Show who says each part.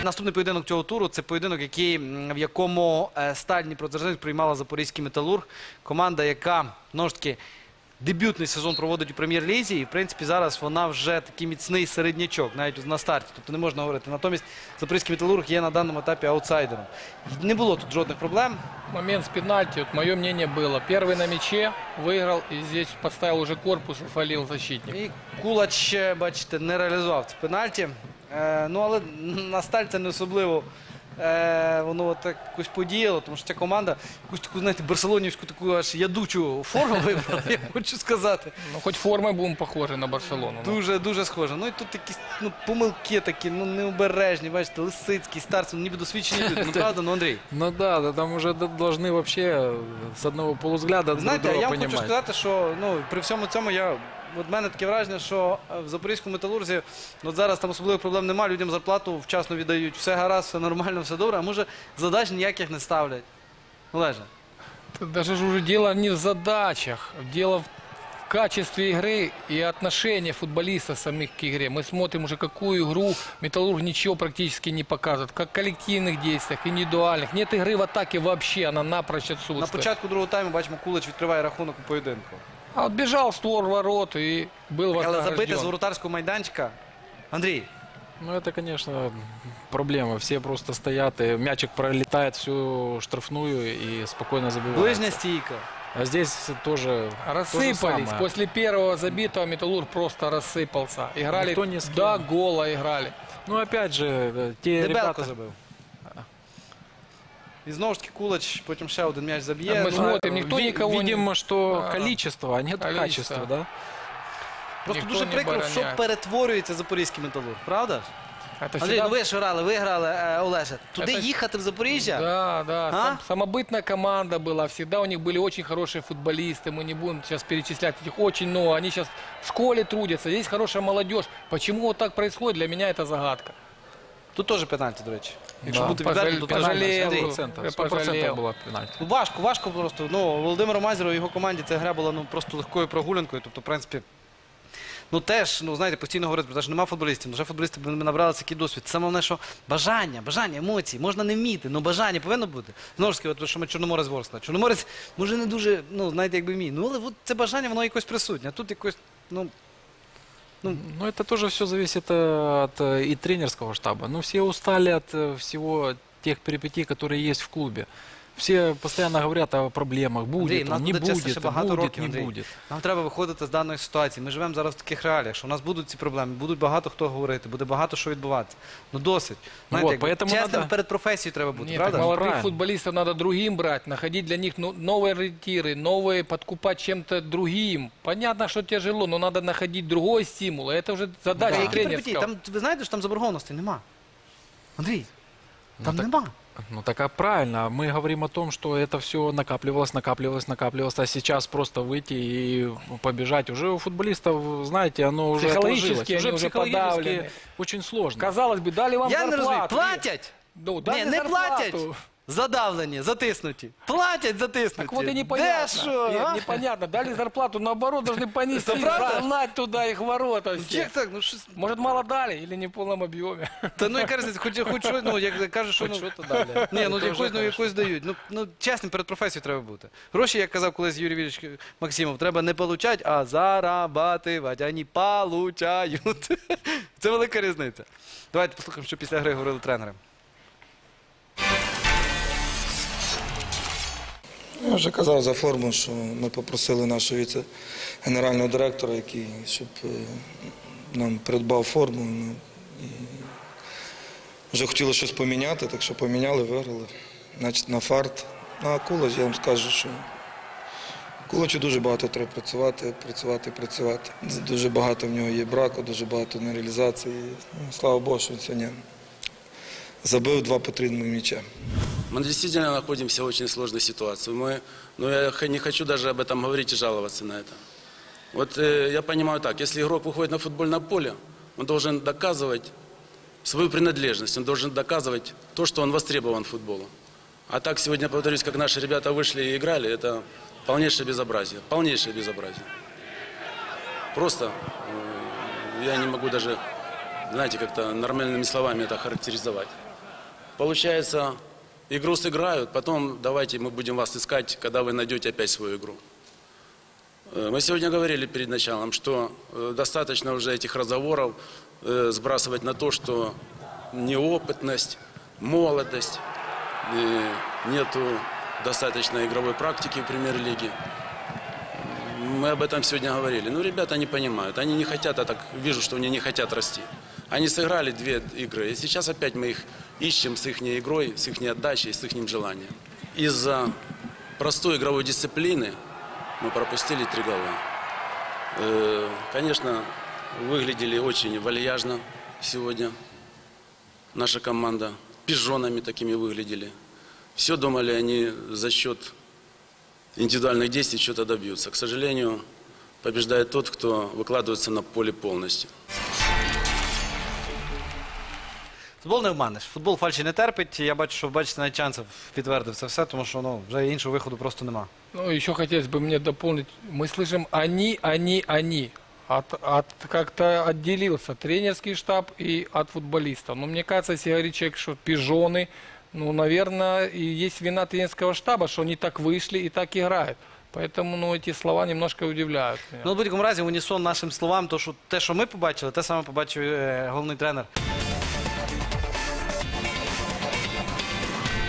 Speaker 1: Наступний поєдинок цього туру – це поєдинок, в якому Сталь Дніпродзержинськ приймала Запорізький Металург. Команда, яка, знову ж таки, дебютний сезон проводить у прем'єр-лізі. І, в принципі, зараз вона вже такий міцний середнячок, навіть на старті. Тобто не можна говорити. Натомість Запорізький Металург є на даному етапі аутсайдером. Не було тут жодних проблем.
Speaker 2: Момент с пенальти, вот мое мнение было. Первый на мяче, выиграл, и здесь подставил уже корпус и фалил защитник.
Speaker 1: І Кулач, бачите, не реалізував це пенальті. Ну, але на Сталь це не особливо воно так якось подіяло, тому що ця команда якусь таку, знаєте, барселонівську таку аж ядучу форму вибрала, я хочу сказати.
Speaker 2: Ну, хоть формой будем похожи на Барселону.
Speaker 1: Дуже схоже. Ну і тут якісь помилки такі, необережні, бачите, Лисицький, Старцев, ніби досвідчені люди. Ну, правда, Андрій?
Speaker 3: Ну да, там уже должны вообще с одного полузгляда друг
Speaker 1: Знаєте,
Speaker 3: друга
Speaker 1: я вам
Speaker 3: понимать.
Speaker 1: хочу сказати, що при всьому цьому от в мене таке враження, що в Запорізькому Металурзі от зараз там особливих проблем немає, людям зарплату вчасно віддають, все гаразд, все нормально, все добре, а може задач ніяких не ставлять. Олеже.
Speaker 2: Даже же уже дело не в задачах, дело в качестве игры и отношении футболистов самих к игре. Мы смотрим уже, какую игру Металлург ничего практически не показывает. Как в коллективных действиях, индивидуальных. Нет игры в атаке вообще, она напрочь отсутствует.
Speaker 1: На початку другого тайму, бачимо, Кулач відкриває рахунок у поєдинку.
Speaker 2: А вот бежал в створ ворот и был
Speaker 1: Але забити з
Speaker 2: вознагражден.
Speaker 1: воротарського майданчика. Андрій.
Speaker 3: Ну это, конечно, проблема. Все просто стоят, и мячик пролетает всю штрафную и спокойно забивают.
Speaker 1: Ближня стійка.
Speaker 3: А здесь тоже то же
Speaker 2: Рассыпались.
Speaker 3: самое.
Speaker 2: После первого забитого Металлург просто рассыпался. Играли
Speaker 3: Никто не с кем.
Speaker 2: до гола играли.
Speaker 3: Ну опять же, те
Speaker 1: Дебелко
Speaker 3: ребята...
Speaker 1: забив. І знову ж таки Кулач потім ще один м'яч заб'є.
Speaker 2: Ми
Speaker 1: Ну,
Speaker 2: смотрим, никто никого
Speaker 3: Видимо,
Speaker 2: не...
Speaker 3: что количество, а нет
Speaker 2: Количество.
Speaker 3: качества, да?
Speaker 1: Просто
Speaker 2: Ніхто
Speaker 1: дуже
Speaker 2: не
Speaker 1: прикро, що
Speaker 2: обороняє.
Speaker 1: перетворюється Запорізький Металург, правда?
Speaker 2: Это
Speaker 1: Андрій,
Speaker 2: всегда...
Speaker 1: ну ви ж грали, Олеже. Туди
Speaker 2: Це-
Speaker 1: їхати в Запоріжжя?
Speaker 2: Да.
Speaker 1: А?
Speaker 2: Самобытная команда была. Всегда у них были очень хорошие футболисты. Мы не будем сейчас перечислять их очень много. Они сейчас в школе трудятся. Здесь хорошая молодежь. Почему вот так происходит, для меня это загадка.
Speaker 1: Тут теж пенальті, до речі. Якщо
Speaker 3: Да.
Speaker 1: бути відвертим, то теж
Speaker 2: Пожалел.
Speaker 1: пенальті.
Speaker 3: 100%,
Speaker 2: Я
Speaker 3: 100%
Speaker 2: пожалел.
Speaker 3: было пенальти.
Speaker 1: Ну, важко просто. Ну, Володимиру Мазеру і його команді ця гра була просто легкою прогулянкою. Тобто, в принципі, теж, знаєте, постійно говорити про те, що нема футболістів. Вже футболісти б набрали такий досвід. Саме головне, що бажання, емоції, можна не вміти, але бажання повинно бути. Знову ж таки, що ми Чорноморець Ворскла. Чорноморець, може, не дуже, знаєте, якби вміє. Але от це бажання, воно якось присутнє. А тут якось,
Speaker 3: Ну, это тоже все зависит от и тренерского штаба. Ну, все устали от всего тех перипетий, которые есть в клубе. Все постоянно говорят о проблемах.
Speaker 1: Андрій,
Speaker 3: Будет,
Speaker 1: нас
Speaker 3: он, не
Speaker 1: буде, чесно,
Speaker 3: будет,
Speaker 1: ще багато
Speaker 3: будет,
Speaker 1: років,
Speaker 3: не
Speaker 1: Андрій.
Speaker 3: будет.
Speaker 1: Нам треба виходити з даної ситуації. Ми живемо зараз в таких реаліях, що у нас будуть ці проблеми, будуть багато хто говорити, буде багато що відбуватися. Досить. Знаєте,
Speaker 3: Вот, поэтому
Speaker 1: чесним
Speaker 3: надо-
Speaker 1: перед професією треба бути,
Speaker 2: Нет,
Speaker 1: правда?
Speaker 2: так молодых
Speaker 3: Правильно.
Speaker 2: футболистов надо другим брать, находить для них новые ориентиры, новые, подкупать чем-то другим. Понятно, что тяжело, но надо находить другой стимул. Это уже задача
Speaker 1: Які перипетії?
Speaker 2: тренерского.
Speaker 1: Там, ви знаєте, що там заборгованості нема. Андрій, там нема.
Speaker 3: Ну так а правильно, мы говорим о том, что это все накапливалось, а сейчас просто выйти и побежать. Уже у футболистов, знаете, оно уже
Speaker 2: Психологически
Speaker 3: отложилось.
Speaker 2: они уже
Speaker 3: психологически
Speaker 2: подавлены.
Speaker 3: очень сложно.
Speaker 2: Казалось бы, дали вам
Speaker 1: Я не розумію,
Speaker 2: зарплату.
Speaker 1: платять?
Speaker 2: Ну, дали
Speaker 1: Ні, не
Speaker 2: зарплату.
Speaker 1: платять. Задавлені, затиснуті. Платять, затиснуті.
Speaker 2: Так вот и
Speaker 1: Де
Speaker 2: непонятно.
Speaker 1: що? а?
Speaker 2: Непонятно. Дали зарплату, наоборот, должны понести,
Speaker 1: Это правда?
Speaker 2: загнать туда их ворота все.
Speaker 1: Як так? Ну, щось...
Speaker 2: Может, мало дали или не в полном объеме.
Speaker 1: Та яка різниця, хоч щось, як кажуть, що...
Speaker 3: Хоть что-то дали.
Speaker 1: Ні,
Speaker 3: Это уже хорошо.
Speaker 1: якось дають. Чесним перед професією треба бути. Гроші, як казав колись Юрій Вілліч Максимов, треба не получать, а зарабатывать. Вони получають. Це велика різниця. Давайте послухаємо, що після гри говорили тренери.
Speaker 4: Я вже казав за форму, що ми попросили нашого віце-генерального директора, щоб нам придбав форму. І вже хотіли щось поміняти, так що поміняли, виграли. Значить, на фарт. А Кулач, я вам скажу, що Кулачу дуже багато треба працювати. Дуже багато в нього є браку, дуже багато нереалізації. Ну, слава Богу, що він сьогодні забив 2 потрібних м'яча.
Speaker 5: Мы действительно находимся в очень сложной ситуации. Я не хочу даже об этом говорить и жаловаться на это. Вот я понимаю так, если игрок выходит на футбольное поле, он должен доказывать свою принадлежность, он должен доказывать то, что он востребован футболу. А так сегодня, повторюсь, как наши ребята вышли и играли, это полнейшее безобразие. Полнейшее безобразие. Просто я не могу даже, знаете, как-то нормальными словами это характеризовать. получается, игру сыграют, потом давайте мы будем вас искать, когда вы найдете опять свою игру. Мы сегодня говорили перед началом, что достаточно уже этих разговоров сбрасывать на то, что неопытность, молодость, нету достаточно игровой практики в премьер-лиге. Мы об этом сегодня говорили. Ну, ребята не понимают. Они не хотят, я так вижу, что они не хотят расти. Они сыграли 2 игры, и сейчас опять мы их ищем с их игрой, с их отдачей, с их желанием. Из-за простой игровой дисциплины мы пропустили 3 гола. Конечно, выглядели очень вальяжно сегодня наша команда. Пижонами такими выглядели. Все думали они за счет индивидуальных действий что-то добьются. К сожалению, побеждает тот, кто выкладывается на поле полностью.
Speaker 1: Футбол не обманеш. Футбол фальші не терпить. Я бачу, що бачите, навіть Чанцев підтвердив це все, тому що вже іншого виходу просто нема.
Speaker 2: Ну, еще хотелось бы мне дополнить. Мы слышим они. Как-то отделился тренерский штаб и от футболистов. Но мне кажется, если говорит человек, что пижоны, ну, наверное, и есть вина тренерского штаба, что они так вышли и так играют. Поэтому, ну, эти слова немножко удивляют меня.
Speaker 1: Ну, в будь-якому разі, в унісон нашим словам, то, що те, що ми побачили, те саме побачив головний тренер